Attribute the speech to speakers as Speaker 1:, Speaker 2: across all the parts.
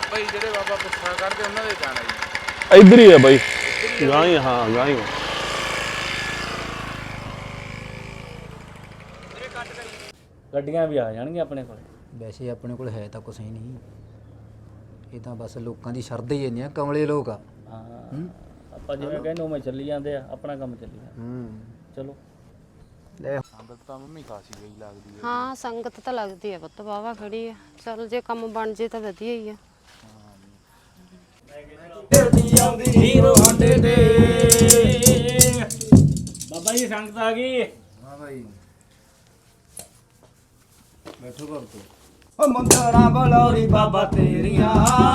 Speaker 1: ਬਾਬਾ ਜੀ ਜਿਹੜੇ ਬਾਬਾ ਪੁੱਛਾ ਕਰਦੇ ਉਹਨਾਂ ਦੇ ਜਾਣਾ ਜੀ
Speaker 2: ਇੱਧਰ ਹੀ ਹੈ ਬਾਈ ਗਾਂ ਹੀ ਹਾਂ ਗਾਂ ਹੀ
Speaker 3: ਗੱਡੀਆਂ ਵੀ ਆ ਜਾਣਗੀਆਂ ਆਪਣੇ ਕੋਲ।
Speaker 4: ਵੈਸੇ ਆਪਣੇ ਕੋਲ ਹੈ ਤਾਂ ਕੁਛ ਹੀ ਨਹੀਂ, ਇਹ ਤਾਂ ਬਸ ਲੋਕਾਂ ਦੀ ਸ਼ਰਧਾ ਹੀ ਇੰਨੀ ਆ, ਕਮਲੇ ਲੋਕ ਆ।
Speaker 3: ਹਾਂ ਆਪਾਂ ਜਿਵੇਂ ਕਹਿੰਦੇ ਉਵੇਂ ਚੱਲੀ ਜਾਂਦੇ ਆ, ਆਪਣਾ ਕੰਮ ਚੱਲੀ ਜਾਂਦਾ। ਚਲੋ
Speaker 4: ਲੈ
Speaker 1: ਸੰਗਤ ਤਾਂ ਮੰਮੀ ਖਾਸੀ ਗਈ ਲੱਗਦੀ ਹੈ।
Speaker 5: ਹਾਂ ਸੰਗਤ ਤਾਂ ਲੱਗਦੀ ਹੈ ਪੁੱਤ, ਵਾਹਵਾ ਖੜੀ ਆ। ਚੱਲ ਜੇ ਕੰਮ ਬਣ ਜੇ ਤਾਂ ਵਧੀਆ ਹੀ ਆ।
Speaker 3: ਹੀਰੋ ਸਾਡੇ ਤੇ ਬਾਬਾ ਜੀ ਸੰਗਤ ਆ ਗਈ।
Speaker 4: ਹਾਂ ਭਾਈ ਬੈਠੋ ਭਗਤੋ। ਓ ਮੁੰਦਰਾਂ ਬਲੌਰੀ ਬਾਬਾ ਤੇਰੀਆਂ,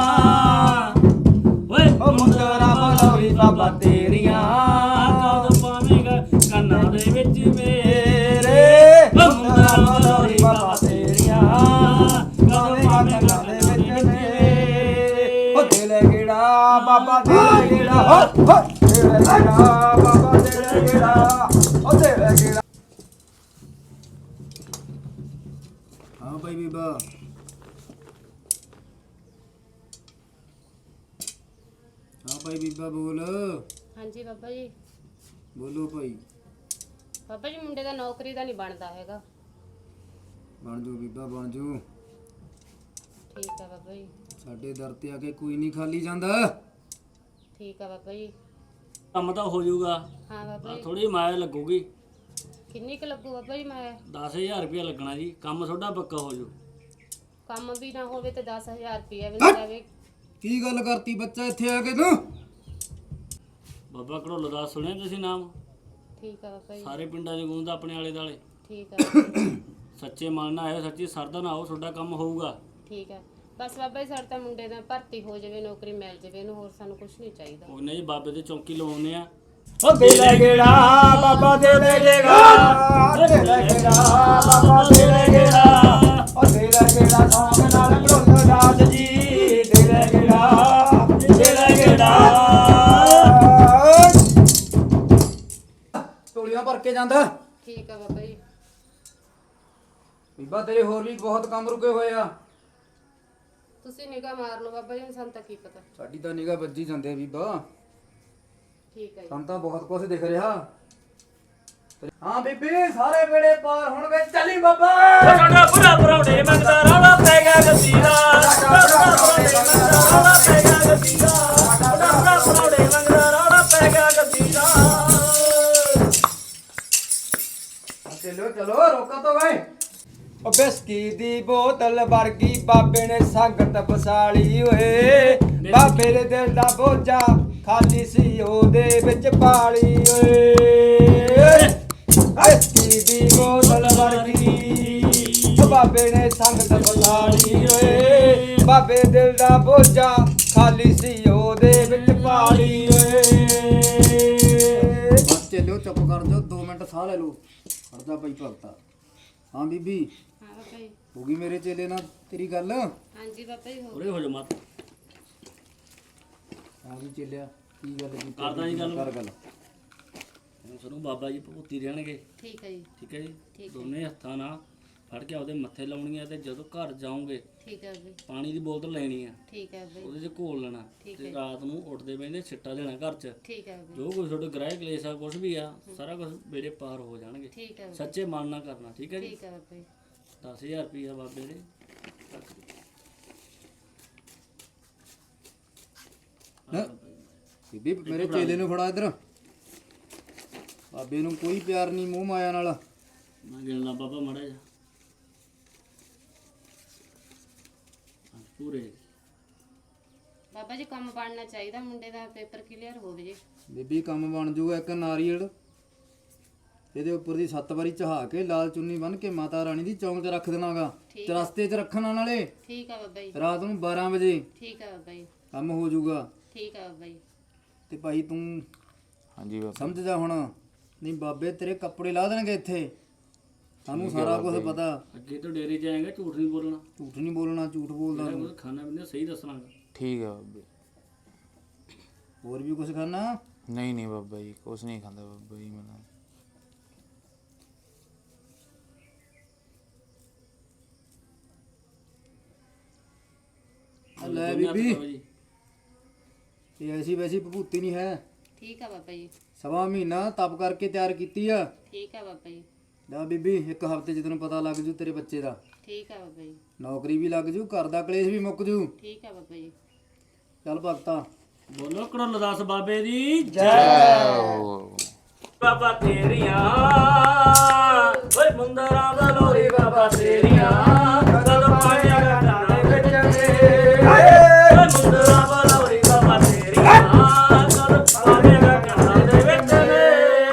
Speaker 3: ਓਏ
Speaker 4: ਓ ਮੁੰਦਰਾਂ ਬਲੌਰੀ ਬਾਬਾ ਤੇਰੀਆਂ,
Speaker 3: ਕਦ ਪਾਵੇਂਗਾ ਕੰਨਾਂ ਦੇ ਵਿੱਚ ਮੇਰੇ।
Speaker 4: ਓ ਮੁੰਦਰਾਂ ਬਲੌਰੀ ਬਾਬਾ ਤੇਰੀਆਂ, ਕਦ ਪਾਵੇਂਗਾ ਦੇ ਵਿੱਚ ਮੇਰੇ। ਓ ਦੇ ਲੈ ਗੇੜਾ ਬਾਬਾ ਦੇ ਲੈ ਗੇੜਾ, ਹੋ ਦੇ ਲੈ ਗੇੜਾ ਬਾਬਾ ਦੇ ਲੈ ਗੇੜਾ, ਓ ਦੇ ਲੈ ਗੇੜਾ। ਹਾਂ ਭਾਈ ਬੀਬਾ ਹਾਂ ਭਾਈ ਬੀਬਾ ਬੋਲ।
Speaker 5: ਹਾਂਜੀ ਬਾਬਾ ਜੀ।
Speaker 4: ਬੋਲੋ ਭਾਈ।
Speaker 5: ਬਾਬਾ ਜੀ ਮੁੰਡੇ ਦਾ ਨੌਕਰੀ ਦਾ ਨਹੀਂ ਬਣਦਾ ਹੈਗਾ।
Speaker 4: ਬਣ ਜੂ ਬੀਬਾ ਬਣ ਜੂ,
Speaker 5: ਠੀਕ ਆ ਬਾਬਾ ਜੀ।
Speaker 4: ਸਾਡੇ ਦਰ ਤੇ ਆ ਕੇ ਕੋਈ ਨਹੀਂ ਖਾਲੀ ਜਾਂਦਾ।
Speaker 5: ਠੀਕ ਆ ਬਾਬਾ ਜੀ।
Speaker 3: ਕੰਮ ਤਾਂ ਹੋ ਜਾਊਗਾ,
Speaker 5: ਹਾਂ ਬਾਬਾ ਜੀ।
Speaker 3: ਥੋੜੀ ਮਾਇਆ ਲੱਗੂਗੀ।
Speaker 5: ਕਿੰਨੀ ਕੁ ਲੱਗੂ ਬਾਬਾ ਜੀ? ਮੈਂ
Speaker 3: 10000 ਰੁਪਇਆ ਲੱਗਣਾ ਜੀ, ਕੰਮ ਤੁਹਾਡਾ ਪੱਕਾ ਹੋ ਜਾਊ।
Speaker 5: ਕੰਮ ਵੀ ਨਾ ਹੋਵੇ ਤੇ 10000 ਰੁਪਇਆ ਵੀ ਨਾ ਜਾਵੇ।
Speaker 4: ਕੀ ਗੱਲ ਕਰਤੀ ਬੱਚਾ ਇੱਥੇ ਆ ਕੇ ਤੂੰ?
Speaker 3: ਬਾਬਾ ਘੜੋਲ ਦਾ ਸੁਣਿਆ ਤੁਸੀਂ ਨਾਮ?
Speaker 5: ਠੀਕ ਆ ਬਾਬਾ ਜੀ।
Speaker 3: ਸਾਰੇ ਪਿੰਡਾਂ 'ਚ ਗੂੰਜਦਾ ਆਪਣੇ ਆਲੇ ਦੁਆਲੇ।
Speaker 5: ਠੀਕ ਆ ਬਾਬਾ ਜੀ।
Speaker 3: ਸੱਚੇ ਮਨ ਨਾਲ ਆਇਓ, ਸੱਚੀ ਸਰਦਾ ਨਾਲ ਆਓ, ਤੁਹਾਡਾ ਕੰਮ ਹੋਊਗਾ।
Speaker 5: ਠੀਕ ਆ ਬਸ ਬਾਬਾ ਜੀ, ਸਾਡਾ ਤਾਂ ਮੁੰਡੇ ਦਾ ਭਰਤੀ ਹੋ ਜਾਵੇ, ਨੌਕਰੀ ਮਿਲ ਜਾਵੇ ਇਹਨੂੰ, ਹੋਰ ਸਾਨੂੰ ਕੁਝ ਨਹੀਂ ਚਾਹੀਦਾ।
Speaker 3: ਕੋਈ ਨਾ ਜੀ, ਬਾਬੇ ਦੇ ਚੌਂਕੀ ਲਵਾਉਂਦੇ ਆ।
Speaker 4: ਓ ਦੇ ਲੈ ਗੇੜਾ ਬਾਬਾ ਦੇ ਲੈ ਗੇੜਾ, ਦੇ ਲੈ ਗੇੜਾ ਬਾਬਾ ਦੇ ਲੈ ਗੇੜਾ, ਓ ਦੇ ਲੈ ਗੇੜਾ ਸੌਂਗ ਨਾਲ ਘੜੋਲ ਦਾਸ ਜੀ, ਦੇ ਲੈ ਗੇੜਾ ਦੇ ਲੈ ਗੇੜਾ। ਟੋਲੀਆਂ ਭਰ ਕੇ ਜਾਂਦਾ।
Speaker 5: ਠੀਕ ਆ ਬਾਬਾ ਜੀ।
Speaker 4: ਬੀਬਾ ਤੇਰੇ ਹੋਰ ਵੀ ਬਹੁਤ ਕੰਮ ਰੁਕੇ ਹੋਏ ਆ।
Speaker 5: ਤੁਸੀਂ ਨਿਗਾਹ ਮਾਰ ਲਓ ਬਾਬਾ ਜੀ, ਸਾਨੂੰ ਤਾਂ ਕੀ ਪਤਾ।
Speaker 4: ਸਾਡੀ ਤਾਂ ਨਿਗਾਹ ਵੱਜੀ ਜਾਂਦੇ ਆ ਬੀਬਾ,
Speaker 5: ਠੀਕ ਆ ਜੀ।
Speaker 4: ਸਾਨੂੰ ਤਾਂ ਬਹੁਤ ਕੁਝ ਦਿਖ ਰਿਹਾ। ਹਾਂ ਬੀਬੀ ਸਾਰੇ ਵੇੜੇ ਪਾਰ ਹੁਣ ਵੇ ਚੱਲੀ ਬਾਬਾ।
Speaker 3: ਸਾਡਾ ਬੁਰਾ ਪਰੌਂਠੇ ਮੰਗਦਾ ਰੌਲਾ ਪੈ ਗਿਆ ਗਸੀਰਾ, ਸਾਡਾ ਪਰੌਂਠੇ ਮੰਗਦਾ ਰੌਲਾ ਪੈ ਗਿਆ ਗਸੀਰਾ, ਸਾਡਾ ਪਰੌਂਠੇ ਮੰਗਦਾ ਰੌਲਾ ਪੈ ਗਿਆ ਗਸੀਰਾ।
Speaker 4: ਚਲੋ ਚਲੋ ਰੋਕਾ ਤੋਂ ਵੇ। ਓ ਬਿਸਕੀ ਦੀ ਬੋਤਲ ਵਰਗੀ ਬਾਬੇ ਨੇ ਸੰਗਤ ਵਸਾਲੀ ਓਏ, ਬਾਬੇ ਦੇ ਦਿਲ ਦਾ ਬੋਝਾ ਖਾਲੀ ਸੀ ਉਹਦੇ ਵਿੱਚ ਪਾਲੀ ਓਏ। ਬਿਸਕੀ ਦੀ ਬੋਤਲ ਵਰਗੀ ਬਾਬੇ ਨੇ ਸੰਗਤ ਵਸਾਲੀ ਓਏ, ਬਾਬੇ ਦਿਲ ਦਾ ਬੋਝਾ ਖਾਲੀ ਸੀ ਉਹਦੇ ਵਿੱਚ ਪਾਲੀ ਓਏ। ਬਸ ਚੱਲਿਓ ਚੁੱਪ ਕਰ ਜਾਓ, 2 ਮਿੰਟ ਸਾਹ ਲੈ ਲਓ। ਹਰਦਾ ਭਾਈ ਭਗਤਾ। ਹਾਂ ਬੀਬੀ
Speaker 5: ਹਾਂ ਬਾਬਾ ਜੀ।
Speaker 4: ਹੋ ਗਈ ਮੇਰੇ ਚੇਲੇ ਨਾਲ ਤੇਰੀ ਗੱਲ?
Speaker 5: ਹਾਂਜੀ ਬਾਬਾ ਜੀ ਹੋ
Speaker 3: ਉਰੇ ਹੋ ਜਾ ਮਤ
Speaker 4: ਹਾਂ ਵੀ ਚੇਲਿਆ ਕੀ ਗੱਲ ਕੀਤੀ?
Speaker 3: ਕਰਦਾ ਜੀ ਗੱਲ।
Speaker 4: ਕਰ ਗੱਲ।
Speaker 3: ਹੁਣ ਸਾਨੂੰ ਬਾਬਾ ਜੀ ਭਗਤੀ ਰਹਿਣਗੇ,
Speaker 5: ਠੀਕ ਹੈ ਜੀ।
Speaker 3: ਠੀਕ ਹੈ ਜੀ।
Speaker 5: ਠੀਕ ਹੈ।
Speaker 3: ਦੋਨੇ ਹੱਥਾਂ ਨਾਲ ਫੜ ਕੇ ਆਪਦੇ ਮੱਥੇ ਲਾਉਣੀਆਂ, ਤੇ ਜਦੋਂ ਘਰ ਜਾਓਗੇ
Speaker 5: ਠੀਕ ਹੈ ਬਾਬਾ।
Speaker 3: ਪਾਣੀ ਦੀ ਬੋਤਲ ਲੈਣੀ ਆ,
Speaker 5: ਠੀਕ ਹੈ ਬਾਬਾ।
Speaker 3: ਉਹਦੇ 'ਚ ਘੋਲ ਲੈਣਾ,
Speaker 5: ਠੀਕ
Speaker 3: ਤੇ
Speaker 5: ਹੈ।
Speaker 3: ਰਾਤ ਨੂੰ ਉੱਠਦੇ ਬੈਠਦੇ ਛਿੱਟਾ ਦੇਣਾ ਘਰ 'ਚ।
Speaker 5: ਠੀਕ ਹੈ ਬਾਬਾ।
Speaker 3: ਜੋ ਕੁਝ ਤੁਹਾਡੇ ਗ੍ਰਹਿ ਕਲੇਸ਼ ਆ, ਕੁਝ ਵੀ ਆ, ਸਾਰਾ ਕੁਝ ਬੇੜੇ ਪਾਰ ਹੋ ਜਾਣਗੇ।
Speaker 5: ਠੀਕ ਹੈ ਬਾਬਾ।
Speaker 3: ਸੱਚੇ ਮਨ ਨਾਲ ਕਰਨਾ, ਠੀਕ ਹੈ ਜੀ।
Speaker 5: ਠੀਕ ਹੈ ਬਾਬਾ ਜੀ।
Speaker 3: 10000 ਰੁਪਇਆ ਬਾਬੇ ਦੇ
Speaker 4: ਬੀਬੀ ਮੇਰੇ ਚੇਲੇ ਨੂੰ ਫੜਾ ਇੱਧਰ। ਬਾਬੇ ਨੂੰ ਕੋਈ ਪਿਆਰ ਨਹੀਂ ਮੂੰਹ ਮਾਇਆ ਨਾਲ।
Speaker 3: ਮੈਂ ਗਿਣ ਲਾ ਬਾਬਾ ਮਾੜਾ ਜਾ ਪੂਰੇ।
Speaker 5: ਬਾਬਾ ਜੀ ਕੰਮ ਬਣਨਾ ਚਾਹੀਦਾ, ਮੁੰਡੇ ਦਾ ਪੇਪਰ ਕਲੀਅਰ ਹੋ ਜੇ।
Speaker 4: ਬੀਬੀ ਕੰਮ ਬਣ ਜੂਗਾ। ਇੱਕ ਨਾਰੀਅਲ ਇਹਦੇ ਉੱਪਰ ਦੀ 7 ਵਾਰੀ ਚਹਾ ਕੇ ਲਾਲ ਚੁੰਨੀ ਬੰਨ ਕੇ ਮਾਤਾ ਰਾਣੀ ਦੀ ਚੌਂਕ 'ਚ ਰੱਖ ਦੇਣਾਗਾ, ਚਰਸਤੇ 'ਚ ਰੱਖਣਾ ਨਾਲੇ।
Speaker 5: ਠੀਕ ਹੈ ਬਾਬਾ ਜੀ।
Speaker 4: ਰਾਤ ਨੂੰ 12 ਵਜੇ
Speaker 5: ਠੀਕ ਹੈ ਬਾਬਾ ਜੀ।
Speaker 4: ਕੰਮ ਹੋ ਜਾਊਗਾ।
Speaker 5: ਠੀਕ ਹੈ ਬਾਬਾ ਜੀ।
Speaker 4: ਤੇ ਭਾਈ ਤੂੰ
Speaker 1: ਹਾਂਜੀ ਬਾਬਾ
Speaker 4: ਸਮਝ ਜਾ ਹੁਣ, ਨਹੀਂ ਬਾਬੇ ਤੇਰੇ ਕੱਪੜੇ ਲਾ ਦੇਣਗੇ ਇੱਥੇ। ਸਾਨੂੰ ਸਾਰਾ ਕੁਝ ਪਤਾ।
Speaker 3: ਅੱਗੇ ਤੋਂ ਡੇਰੇ 'ਚ ਆਏਗਾ, ਝੂਠ ਨਹੀਂ ਬੋਲਣਾ,
Speaker 4: ਝੂਠ ਨਹੀਂ ਬੋਲਣਾ, ਝੂਠ ਬੋਲਦਾ
Speaker 3: ਜਿਹੜਾ
Speaker 4: ਤੂੰ।
Speaker 3: ਕੁਝ ਖਾਣਾ ਪੀਣਾ ਸਹੀ ਦੱਸਣਾ।
Speaker 1: ਠੀਕ ਹੈ ਬਾਬੇ।
Speaker 4: ਹੋਰ ਵੀ ਕੁਝ ਖਾਣਾ?
Speaker 1: ਨਹੀਂ ਨਹੀਂ ਬਾਬਾ ਜੀ, ਕੁਛ ਨਹੀਂ ਖਾਂਦਾ ਬਾਬਾ ਜੀ ਮੈਂ।
Speaker 4: ਲੈ ਬੀਬੀ ਇਹ ਐਸੀ ਵੈਸੀ ਭਭੂਤੀ ਨਹੀਂ ਹੈ।
Speaker 5: ਠੀਕ ਆ ਬਾਬਾ ਜੀ।
Speaker 4: ਸਵਾ ਮਹੀਨਾ ਤਪ ਕਰਕੇ ਤਿਆਰ ਕੀਤੀ ਆ।
Speaker 5: ਠੀਕ ਆ ਬਾਬਾ ਜੀ।
Speaker 4: ਲੈ ਬੀਬੀ ਇੱਕ ਹਫ਼ਤੇ 'ਚ ਤੈਨੂੰ ਪਤਾ ਲੱਗ ਜੂ ਤੇਰੇ ਬੱਚੇ ਦਾ।
Speaker 5: ਠੀਕ ਆ ਬਾਬਾ ਜੀ।
Speaker 4: ਨੌਕਰੀ ਵੀ ਲੱਗ ਜੂ, ਘਰ ਦਾ ਕਲੇਸ਼ ਵੀ ਮੁੱਕ ਜੂ।
Speaker 5: ਠੀਕ ਆ ਬਾਬਾ ਜੀ।
Speaker 4: ਚੱਲ ਭਗਤਾ
Speaker 3: ਬੋਲੋ ਕਰੋ ਦਾਸ ਬਾਬੇ ਦੀ ਜੈ ਬਾਬਾ ਤੇਰੀਆਂ ਓਏ ਮੁੰਦਰਾਂ ਦਾ ਲੋਰੀ ਬਾਬਾ ਤੇਰੀਆਂ ਕਦ ਪਾਣੀਆਂ ਗਾਣਾ ਦੇ ਵਿੱਚ ਨੇ ਓਏ ਮੁੰਦਰਾਂ ਦਾ ਲੋਰੀ ਬਾਬਾ ਤੇਰੀਆਂ ਕਦ ਪਾਣੀਆਂ ਗਾਣਾ ਦੇ ਵਿੱਚ ਨੇ।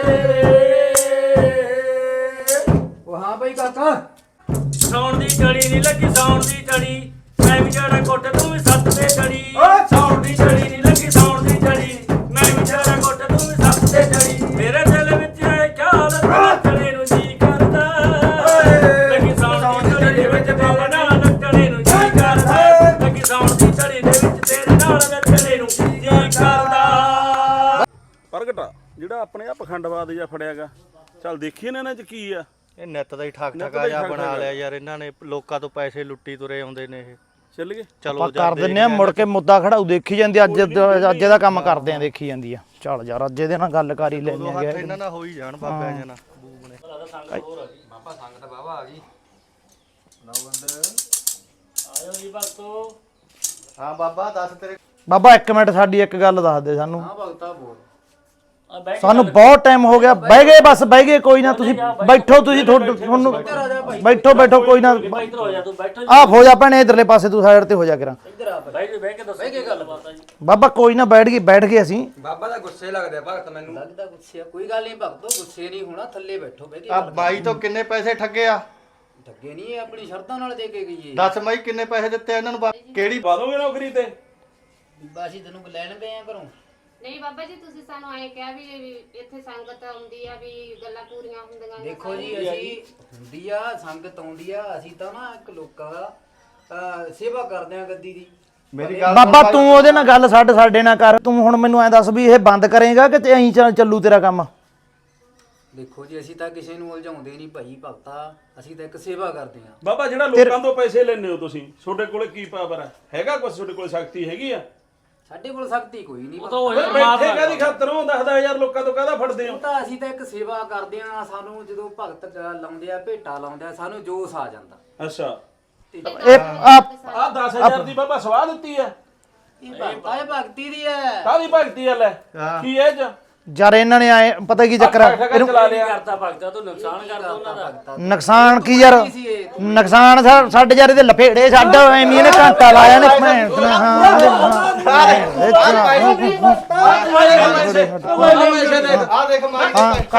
Speaker 4: ਉਹ ਹਾਂ ਬਈ ਕਾਕਾ
Speaker 3: ਸੌਣ ਦੀ ਝੜੀ ਨਹੀਂ ਲੱਗੀ ਸੌਣ ਦੀ ਝੜੀ ਮੈਂ ਵੀ ਜਿਹੜਾ ਕੋਟ ਤੂੰ ਵੀ ਸੱਤ ਤੇ ਝੜੀ ਸੌਣ ਦੀ ਝੜੀ ਨਹੀਂ ਲੱਗੀ ਸੌਣ ਦੀ ਝੜੀ ਮੈਂ ਵੀ ਜਿਹੜਾ ਕੋਟ ਤੂੰ ਵੀ ਸੱਤ ਤੇ ਝੜੀ ਮੇਰੇ ਦਿਲ ਵਿੱਚ ਹੈ ਖਿਆਲ ਨੱਚਣੇ ਨੂੰ ਜੀ ਕਰਦਾ ਲੱਗੀ ਸੌਣ ਦੀ ਝੜੀ ਦੇ ਵਿੱਚ ਬਾਬਾ ਨਾਲ ਨੱਚਣੇ ਨੂੰ ਜੀ ਕਰਦਾ ਲੱਗੀ ਸੌਣ ਦੀ ਝੜੀ ਦੇ ਵਿੱਚ ਤੇਰੇ ਨਾਲ ਨੱਚਣੇ ਨੂੰ ਜੀ ਕਰਦਾ।
Speaker 2: ਪ੍ਰਗਟ ਜਿਹੜਾ ਆਪਣੇ ਆ ਪਖੰਡਵਾਦ ਜਾਂ ਫੜਿਆਗਾ ਚੱਲ ਦੇਖੀਏ ਨਾ ਇਹਨਾਂ 'ਚ ਕੀ ਆ।
Speaker 6: ਇਹ ਨਿੱਤ ਦਾ ਹੀ ਠੱਗ
Speaker 2: ਨਿੱਤ
Speaker 6: ਠੱਗਾ
Speaker 2: ਦਾ ਹੀ
Speaker 6: ਜਿਹਾ
Speaker 2: ਠੱਗ
Speaker 6: ਬਣਾ
Speaker 2: ਠੱਗਾ।
Speaker 6: ਲਿਆ ਯਾਰ ਇਹਨਾਂ ਨੇ ਲੋਕਾਂ ਤੋਂ ਪੈਸੇ ਲੁੱਟੀ ਤੁਰੇ ਆਉਂਦੇ ਨੇ ਇਹ।
Speaker 2: ਚੱਲ ਗਏ
Speaker 6: ਚਲੋ
Speaker 7: ਆਪਾਂ ਕਰ ਦਿੰਨੇ ਆ ਮੁੜ ਕੇ ਮੁੱਦਾ ਖੜਾਉ ਦੇਖੀ ਜਾਂਦੀ ਅੱਜ ਦਾ ਕੰਮ ਕਰਦੇ ਆ ਦੇਖੀ ਜਾਂਦੀ ਆ। ਚੱਲ ਯਾਰ ਅੱਜ ਇਹਦੇ ਨਾਲ ਗੱਲ ਕਰ ਹੀ ਲੈਣੀ
Speaker 6: ਉਦੋਂ
Speaker 7: ਆ
Speaker 6: ਹੱਥ ਇਹਨਾਂ ਨਾਲ ਹੋ ਹੀ ਜਾਣ ਬਾਬਿਆਂ ਜਨਾ ਬੂਬ ਨੇ।
Speaker 4: ਬਾਬਾ ਸੰਗਤ ਬਾਬਾ ਆ ਗਈ। ਲਓ ਅੰਦਰ
Speaker 3: ਆਇਓ ਜੀ ਭਗਤੋ।
Speaker 6: ਹਾਂ ਬਾਬਾ ਦੱਸ ਤੇਰੇ
Speaker 7: ਬਾਬਾ ਇੱਕ ਮਿੰਟ ਸਾਡੀ ਇੱਕ ਗੱਲ ਦੱਸ ਦੇ ਸਾਨੂੰ।
Speaker 4: ਹਾਂ ਭਗਤਾ ਬੋਲ।
Speaker 7: ਸਾਨੂੰ ਬਹੁਤ ਟਾਈਮ ਹੋ ਗਿਆ ਬਹਿ ਗਏ ਬਸ ਬਹਿ ਗਏ ਕੋਈ ਨਾ ਤੁਸੀਂ ਬੈਠੋ ਤੁਸੀਂ ਤੁਹਾਨੂੰ ਬੈਠੋ ਬੈਠੋ ਕੋਈ ਨਾ
Speaker 3: ਇੱਧਰ ਹੋ ਜਾ ਤੂੰ ਬੈਠੋ
Speaker 7: ਆਹ ਹੋ ਜਾ ਭੈਣੇ ਇਧਰਲੇ ਪਾਸੇ ਤੂੰ ਸਾਈਡ ਤੇ ਹੋ ਜਾ ਕਰਾਂ।
Speaker 3: ਬਹਿ ਕੇ ਦੱਸੋ ਕੀ ਗੱਲ ਬਾਤ ਆ ਜੀ।
Speaker 7: ਬਾਬਾ ਕੋਈ ਨਾ ਬੈਠ ਗਏ ਅਸੀਂ।
Speaker 4: ਬਾਬਾ ਦਾ ਗੁੱਸੇ ਲੱਗਦਾ ਭਗਤ ਮੈਨੂੰ। ਲੱਗਦਾ ਗੁੱਸੇ ਆ ਕੋਈ ਗੱਲ ਨਹੀਂ ਭਗਤੋ ਗੁੱਸੇ ਨਹੀਂ ਹੋਣਾ ਥੱਲੇ ਬੈਠੋ ਬਹਿ ਕੇ।
Speaker 6: ਆ ਬਾਈ ਤੋਂ ਕਿੰਨੇ ਪੈਸੇ ਠੱਗੇ ਆ
Speaker 4: ਠੱਗੇ ਨਹੀਂ ਇਹ ਆਪਣੀ ਸ਼ਰਤਾਂ ਨਾਲ ਦੇ ਕੇ ਗਈ ਏ।
Speaker 6: ਦੱਸ ਬਾਈ ਕਿੰਨੇ ਪੈਸੇ ਦਿੱਤੇ ਇਹਨਾਂ ਨੂੰ ਕਿਹੜੀ
Speaker 2: ਪਾ ਦੋਗੇ ਨੌਕਰੀ ਤੇ।
Speaker 4: ਬੀਬਾ ਅਸੀਂ ਤੈਨੂੰ ਲੈਣ ਗਏ ਆ ਘਰੋਂ।
Speaker 5: ਨਹੀਂ ਬਾਬਾ ਜੀ ਤੁਸੀਂ ਸਾਨੂੰ ਐਂ ਕਿਹਾ ਵੀ ਇੱਥੇ ਸੰਗਤ ਆਉਂਦੀ ਆ ਵੀ ਗੱਲਾਂ ਪੂਰੀਆਂ ਹੁੰਦੀਆਂ ਨੇ।
Speaker 4: ਦੇਖੋ ਜੀ ਅਸੀਂ ਹੁੰਦੀ ਆ ਸੰਗਤ ਆਉਂਦੀ ਆ ਅਸੀਂ ਤਾਂ ਨਾ ਇੱਕ ਲੋਕਾਂ ਦਾ ਸੇਵਾ ਕਰਦੇ ਆ ਗੱਦੀ ਦੀ।
Speaker 6: ਮੇਰੀ ਗੱਲ
Speaker 7: ਬਾਬਾ ਤੂੰ ਉਹਦੇ ਨਾਲ ਗੱਲ ਸਾਡੇ ਨਾਲ ਕਰ। ਤੂੰ ਹੁਣ ਮੈਨੂੰ ਐਂ ਦੱਸ ਵੀ ਇਹ ਬੰਦ ਕਰੇਗਾ ਕਿ ਤੇ ਐਂ ਚੱਲੂ ਤੇਰਾ ਕੰਮ।
Speaker 4: ਦੇਖੋ ਜੀ ਅਸੀਂ ਤਾਂ ਕਿਸੇ ਨੂੰ ਉਲਝਾਉਂਦੇ ਨਹੀਂ ਭਾਈ ਭਗਤਾ ਅਸੀਂ ਤਾਂ ਇੱਕ ਸੇਵਾ ਕਰਦੇ ਆ।
Speaker 2: ਬਾਬਾ ਜਿਹੜਾ ਲੋਕਾਂ ਤੋਂ ਪੈਸੇ ਲੈਣੇ ਹੋ ਤੁਸੀਂ ਤੁਹਾਡੇ ਕੋਲੇ ਕੀ ਪਾਵਰ ਹੈਗਾ ਕੁਛ ਤੁਹਾਡੇ ਕੋਲ ਸ਼ਕਤੀ ਹੈਗੀ ਆ।
Speaker 4: ਸਾਡੇ ਕੋਲ ਸ਼ਕਤੀ ਕੋਈ ਨਹੀਂ।
Speaker 2: ਬੈਠੇ ਕਾਦੀ ਖਾਤਰੋਂ 10,000 ਲੋਕਾਂ ਤੋਂ ਕਾਹਦਾ ਫੜਦੇ ਹੋ।
Speaker 4: ਤਾਂ ਅਸੀਂ ਤਾਂ ਇੱਕ ਸੇਵਾ ਕਰਦੇ ਆ। ਸਾਨੂੰ ਜਦੋਂ ਭਗਤ ਲਾਉਂਦੇ ਆ ਭੇਟਾ ਲਾਉਂਦੇ ਆ ਸਾਨੂੰ ਜੋਸ਼ ਆ ਜਾਂਦਾ।
Speaker 2: ਅੱਛਾ
Speaker 7: ਇਹ
Speaker 2: ਆ 10,000 ਦੀ ਬਾਬਾ ਸਵਾਹ ਦਿੱਤੀ ਆ।
Speaker 4: ਇਹ ਭਗਤਾ ਇਹ ਭਗਤੀ ਦੀ ਹੈ।
Speaker 2: ਕਾਹਦੀ ਭਗਤੀ ਆ ਲੈ ਕੀ ਇਹ ਚ
Speaker 7: ਯਾਰ ਇਹਨਾਂ ਨੇ ਆਏ ਪਤਾ ਕੀ ਚੱਕਰ ਆ
Speaker 2: ਚਲਾ ਲਿਆ।
Speaker 3: ਕਰਤਾ ਭਗਤਾ ਤੂੰ ਨੁਕਸਾਨ ਕਰਦਾ ਉਹਨਾਂ ਦਾ।
Speaker 7: ਨੁਕਸਾਨ ਕੀ ਯਾਰ ਨੁਕਸਾਨ ਸਾਡੇ ਯਾਰ ਇਹਦੇ ਲਫੇੜੇ ਛੱਡ ਐਵੇਂ ਇਹਨੇ ਘੰਟਾ ਲਾਇਆ ਨੇ ਭੈਣ
Speaker 6: ਆ ਦੇਖ ਮਾਰ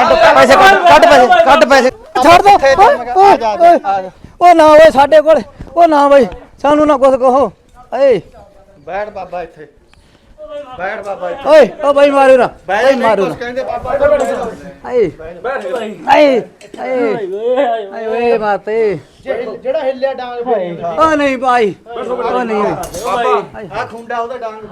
Speaker 7: ਕੱਢ ਪੈਸੇ
Speaker 4: ਛੱਡ ਦੋ। ਉਹ ਨਾ ਓਏ ਸਾਡੇ ਕੋਲ ਉਹ ਨਾ ਬਈ ਸਾਨੂੰ ਨਾ ਕੁਝ ਕਹੋ। ਏ
Speaker 6: ਬੈਠ ਬਾਬਾ ਇੱਥੇ ਬੈਠ ਬਾਬਾ ਇੱਥੇ
Speaker 4: ਓਏ ਓ ਬਈ ਮਾਰੂ ਨਾ
Speaker 6: ਬੈਠ
Speaker 4: ਮਾਰੂ
Speaker 6: ਕੁਛ
Speaker 4: ਨਾ।
Speaker 6: ਕਹਿੰਦੇ ਬਾਬਾ
Speaker 4: ਏ ਏ ਓਏ ਮਾਤੇ
Speaker 7: ਜਿਹੜਾ ਹਿੱਲਿਆ ਡਾਂਗ
Speaker 4: ਓ ਨਹੀਂ ਭਾਈ ਓ ਨਹੀਂ
Speaker 6: ਆ ਖੁੰਡਾ ਉਹਦਾ ਡਾਂਗ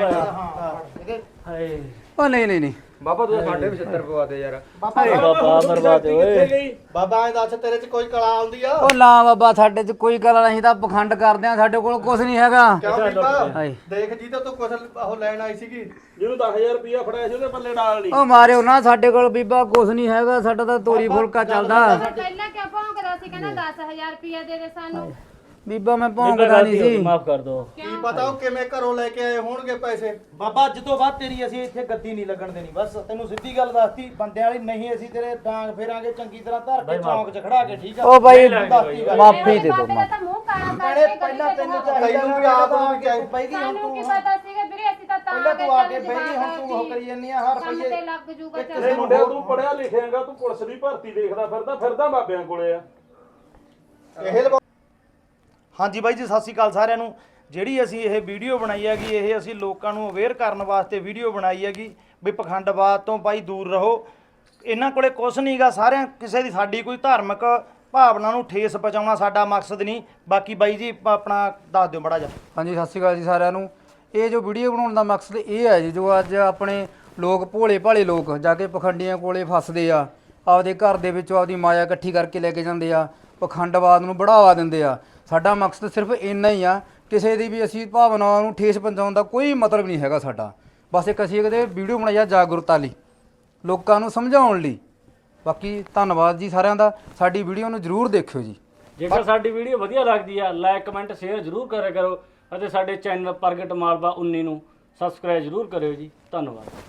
Speaker 4: ਓ ਨਹੀਂ ਬਾਬਾ ਤੂੰ ਸਾਡੇ 75 ਪਵਾ ਦੇ ਯਾਰ।
Speaker 3: ਬਾਬਾ ਮਰਵਾ ਦੇ ਓਏ।
Speaker 6: ਬਾਬਾ ਇਹ ਦੱਸ ਤੇਰੇ 'ਚ ਕੋਈ ਕਲਾ ਆਉਂਦੀ ਆ।
Speaker 4: ਉਹ ਨਾ ਬਾਬਾ ਸਾਡੇ 'ਚ ਕੋਈ ਗੱਲ ਨਹੀਂ ਤਾਂ ਪਖੰਡ ਕਰਦੇ ਆ ਸਾਡੇ ਕੋਲ ਕੁਝ ਨਹੀਂ ਹੈਗਾ।
Speaker 6: ਕਿਉਂ ਬੀਬਾ
Speaker 4: ਹਾਏ
Speaker 6: ਦੇਖ ਜੀ ਤਾਂ ਤੂੰ ਕੁਛ ਉਹ ਲੈਣ ਆਈ ਸੀਗੀ।
Speaker 2: ਜਿਹਨੂੰ 10,000 ਰੁਪਇਆ ਫੜਾਇਆ ਸੀ ਉਹਦੇ ਪੱਲੇ ਨਾਲ ਨਹੀਂ।
Speaker 4: ਉਹ ਮਾਰਿਓ ਨਾ ਸਾਡੇ ਕੋਲ ਬੀਬਾ ਕੁਝ ਨਹੀਂ ਹੈਗਾ ਸਾਡਾ ਤਾਂ ਤੋਰੀ ਫੁਲਕਾ ਚੱਲਦਾ।
Speaker 5: ਪਹਿਲਾਂ ਕਿਆ ਭੌਂਕਦਾ ਸੀ ਕਹਿੰਦਾ 10000 ਰੁਪਇਆ ਦੇ ਦੇ ਸਾਨੂੰ।
Speaker 4: ਬੀਬਾ ਮੈਂ ਭੌਂਕਦਾ ਨਹੀਂ ਸੀ।
Speaker 3: ਮਾਫ ਕਰ ਦੋ।
Speaker 6: ਕੀ ਪਤਾ ਉਹ ਕਿਵੇਂ ਘਰੋਂ ਲੈ ਕੇ ਆਏ ਹੋਣਗੇ ਪੈਸੇ।
Speaker 7: ਬਾਬਾ ਅੱਜ ਤੋਂ ਬਾਅਦ ਤੇਰੀ ਅਸੀਂ ਇੱਥੇ ਗੱਦੀ ਨਹੀਂ ਲੱਗਣ ਦੇਣੀ ਬਸ ਤੈਨੂੰ ਸਿੱਧੀ ਗੱਲ ਦੱਸਤੀ ਬੰਦਿਆਂ ਵਾਲੀ ਨਹੀਂ ਅਸੀਂ ਤੇਰੇ ਡਾਂਗ ਫੇਰਾਂਗੇ ਚੰਗੀ ਤਰ੍ਹਾਂ ਧਰ ਕੇ ਚੌਂਕ 'ਚ ਖੜਾ ਕੇ ਠੀਕ ਆ।
Speaker 4: ਉਹ ਬਾਈ ਮਾਫੀ ਦੇ ਦੋ
Speaker 5: ਮੇਰਾ ਤਾਂ ਮੂੰਹ ਕਾਲਾ
Speaker 7: ਭੈਣੇ
Speaker 5: ਕਰਕੇ
Speaker 7: ਪਹਿਲਾਂ ਤੈਨੂੰ
Speaker 6: ਤੈਨੂੰ ਵੀ ਆਪ ਨੂੰ ਚਾਹੀਦਾ
Speaker 7: ਬਈ ਗਈ ਹੁਣ
Speaker 5: ਸਾਨੂੰ ਕੀ
Speaker 7: ਤੂੰ
Speaker 5: ਪਤਾ ਸੀਗਾ ਵੀਰੇ ਅਸੀਂ ਤਾਂ
Speaker 7: ਪਹਿਲਾਂ ਤੂੰ ਆ ਕੇ ਬਈ ਗਈ ਹੁਣ ਤੂੰ ਉਹ ਕਰੀ ਜੰਨੀ ਆ ਹਰ
Speaker 5: ਕੰਮ ਤੇ
Speaker 7: ਰੁਪਈਏ
Speaker 5: ਲੱਗ ਜੂਗਾ
Speaker 2: ਕਿਸੇ ਮੁੰਡਿਆ ਤੂੰ ਪੜਿਆ ਲਿਖਿਆਗਾ ਤੂੰ ਪੁਲਿਸ ਦੀ ਭਰਤੀ ਦੇਖਦਾ ਫਿਰਦਾ ਬਾਬਿਆਂ ਕੋਲੇ ਆ।
Speaker 6: ਇਹ
Speaker 7: ਹਾਂਜੀ ਬਾਈ ਜੀ ਸਤਿ ਸ਼੍ਰੀ ਅਕਾਲ ਸਾਰਿਆਂ ਨੂੰ। ਜਿਹੜੀ ਅਸੀਂ ਇਹ ਵੀਡੀਓ ਬਣਾਈ ਹੈਗੀ ਇਹ ਅਸੀਂ ਲੋਕਾਂ ਨੂੰ ਅਵੇਅਰ ਕਰਨ ਵਾਸਤੇ ਵੀਡੀਓ ਬਣਾਈ ਹੈਗੀ ਵੀ ਪਖੰਡਵਾਦ ਤੋਂ ਬਾਈ ਦੂਰ ਰਹੋ। ਇਹਨਾਂ ਕੋਲੇ ਕੁਛ ਨਹੀਂਗਾ ਸਾਰਿਆਂ ਕਿਸੇ ਦੀ ਸਾਡੀ ਕੋਈ ਧਾਰਮਿਕ ਭਾਵਨਾ ਨੂੰ ਠੇਸ ਪਹੁੰਚਾਉਣਾ ਸਾਡਾ ਮਕਸਦ ਨਹੀਂ। ਬਾਕੀ ਬਾਈ ਜੀ ਆਪਣਾ ਦੱਸ ਦਿਓ ਮੜਾ ਜਾ।
Speaker 4: ਹਾਂਜੀ ਸਤਿ ਸ਼੍ਰੀ ਅਕਾਲ ਜੀ ਸਾਰਿਆਂ ਨੂੰ। ਇਹ ਜੋ ਵੀਡੀਓ ਬਣਾਉਣ ਦਾ ਮਕਸਦ ਇਹ ਹੈ ਜੀ ਜੋ ਅੱਜ ਆਪਣੇ ਲੋਕ ਭੋਲੇ ਭਾਲੇ ਲੋਕ ਜਾ ਕੇ ਪਖੰਡੀਆਂ ਕੋਲੇ ਫਸਦੇ ਆ ਆਪਦੇ ਘਰ ਦੇ ਵਿੱਚੋਂ ਆਪਦੀ ਮਾਇਆ ਇਕੱਠੀ ਕਰਕੇ ਲੈ ਕੇ ਜਾਂਦੇ ਆ ਪਖੰਡਵਾਦ ਨੂੰ ਬੜਾਵਾ ਦਿੰਦੇ ਆ। ਸਾਡਾ ਮਕਸਦ ਸਿਰਫ ਇੰਨਾ ਹੀ ਆ ਕਿਸੇ ਦੀ ਵੀ ਅਸੀਂ ਭਾਵਨਾਵਾਂ ਨੂੰ ਠੇਸ ਪਹੁੰਚਾਉਣ ਦਾ ਕੋਈ ਮਤਲਬ ਨਹੀਂ ਹੈਗਾ ਸਾਡਾ। ਬਸ ਇੱਕ ਅਸੀਂ ਕਿਤੇ ਵੀਡੀਓ ਬਣਾਈ ਆ ਜਾਗਰੂਕਤਾ ਲਈ, ਲੋਕਾਂ ਨੂੰ ਸਮਝਾਉਣ ਲਈ। ਬਾਕੀ ਧੰਨਵਾਦ ਜੀ ਸਾਰਿਆਂ ਦਾ। ਸਾਡੀ ਵੀਡੀਓ ਨੂੰ ਜ਼ਰੂਰ ਦੇਖਿਓ ਜੀ।
Speaker 3: ਜੇਕਰ ਸਾਡੀ ਵੀਡੀਓ ਵਧੀਆ ਲੱਗਦੀ ਆ ਲਾਈਕ ਕਮੈਂਟ ਸ਼ੇਅਰ ਜ਼ਰੂਰ ਕਰਿਆ ਕਰੋ ਅਤੇ ਸਾਡੇ ਚੈਨਲ ਪ੍ਰਗਟ ਮਾਲਵਾ 19 ਨੂੰ ਸਬਸਕ੍ਰਾਈਬ ਜ਼ਰੂਰ ਕਰਿਓ ਜੀ। ਧੰਨਵਾਦ।